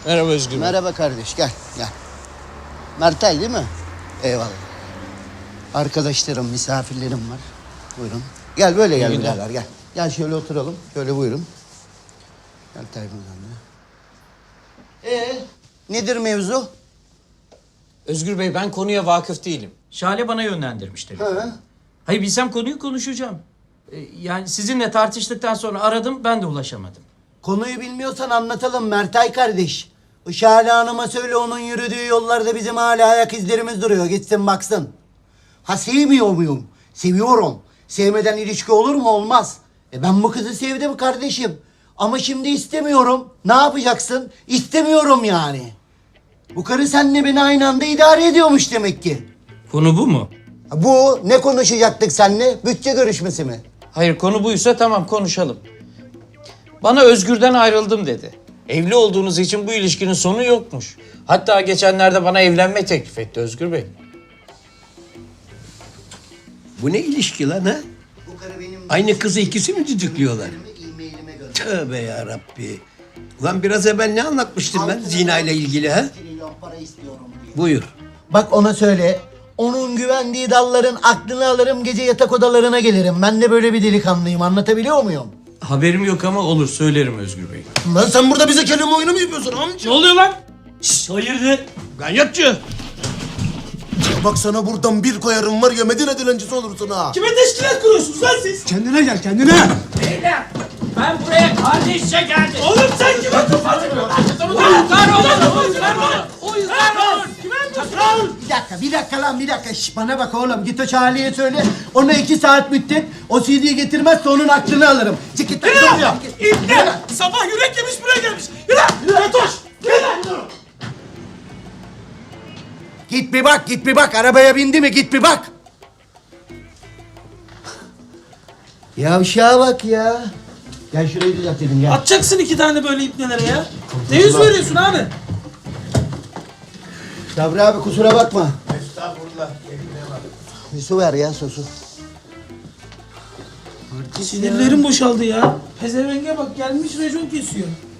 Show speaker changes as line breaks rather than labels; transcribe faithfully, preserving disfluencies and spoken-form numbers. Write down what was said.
Merhaba Özgür Bey.
Merhaba kardeş, gel, gel. Mertay değil mi? Eyvallah. Arkadaşlarım, misafirlerim var. Buyurun. Gel böyle gel birader, gel. Gel şöyle oturalım. Şöyle buyurun. Gel Tayfun sen de. Ee, nedir mevzu?
Özgür Bey ben konuya vakıf değilim.
Şale bana yönlendirmiş telefonu.
Ha?
Hayır bilsem konuyu konuşacağım. Ee, yani sizinle tartıştıktan sonra aradım ben de ulaşamadım.
Konuyu bilmiyorsan anlatalım Mertay kardeş. Işale Hanım'a söyle onun yürüdüğü yollarda bizim hala ayak izlerimiz duruyor. Gitsin baksın. Ha sevmiyor muyum? Seviyorum. Sevmeden ilişki olur mu? Olmaz. E ben bu kızı sevdim kardeşim. Ama şimdi istemiyorum. Ne yapacaksın? İstemiyorum yani. Bu karı seninle beni aynı anda idare ediyormuş demek ki.
Konu bu mu?
Ha, bu ne konuşacaktık seninle? Bütçe görüşmesi mi?
Hayır konu buysa tamam konuşalım. Bana Özgür'den ayrıldım dedi. Evli olduğunuz için bu ilişkinin sonu yokmuş. Hatta geçenlerde bana evlenme teklif etti Özgür Bey.
Bu ne ilişki lan ha?
Bu karı benim...
Aynı kızı ikisi mi düdüklüyorlar?
E-mailime gönder.
Tövbe yarabbi. Ulan biraz evvel ne anlatmıştım ben zina ile ilgili ha?
Trilyon para istiyorum diye.
Buyur.
Bak ona söyle. Onun güvendiği dalların aklını alırım, gece yatak odalarına gelirim. Ben de böyle bir delikanlıyım. Anlatabiliyor muyum?
Haberim yok ama olur söylerim Özgür Bey.
Lan sen burada bize kelime oyunu mu yapıyorsun amca?
Ne oluyor lan? Şşş hayırdır?
Ganyatçı! Bak sana buradan bir koyarım var ya Medine dilencisi olursun ha.
Kime teşkilat kuruyorsunuz lan siz?
Kendine gel kendine.
Beyler ben buraya kardeşçe geldim.
Oğlum sen kime tufasın?
Uyuzlar olur, uyuzlar olur, uyuzlar olur.
Bir dakika, bir dakika lan bir dakika. Şş, bana bak oğlum. Git o Charlie'ye söyle. Ona iki saat müddet o C D'yi getirmezse onun aklını alırım. Çık git.
Yürü lan! İbne! Sabah yürek yemiş buraya gelmiş. Yürü lan! Yürü Toş! Yürü lan!
Git bir bak, git bir bak. Arabaya bindi mi? Git bir bak. Yavşağa bak ya. Gel şurayı düzeltelim gel.
Atacaksın iki tane böyle ibnelere ya. Ne yüz veriyorsun abi?
Sabri abi kusura bakma. Estağfurullah. Bir su ver ya su su.
Sinirlerim boşaldı ya. Pezevenge bak gelmiş racon kesiyor.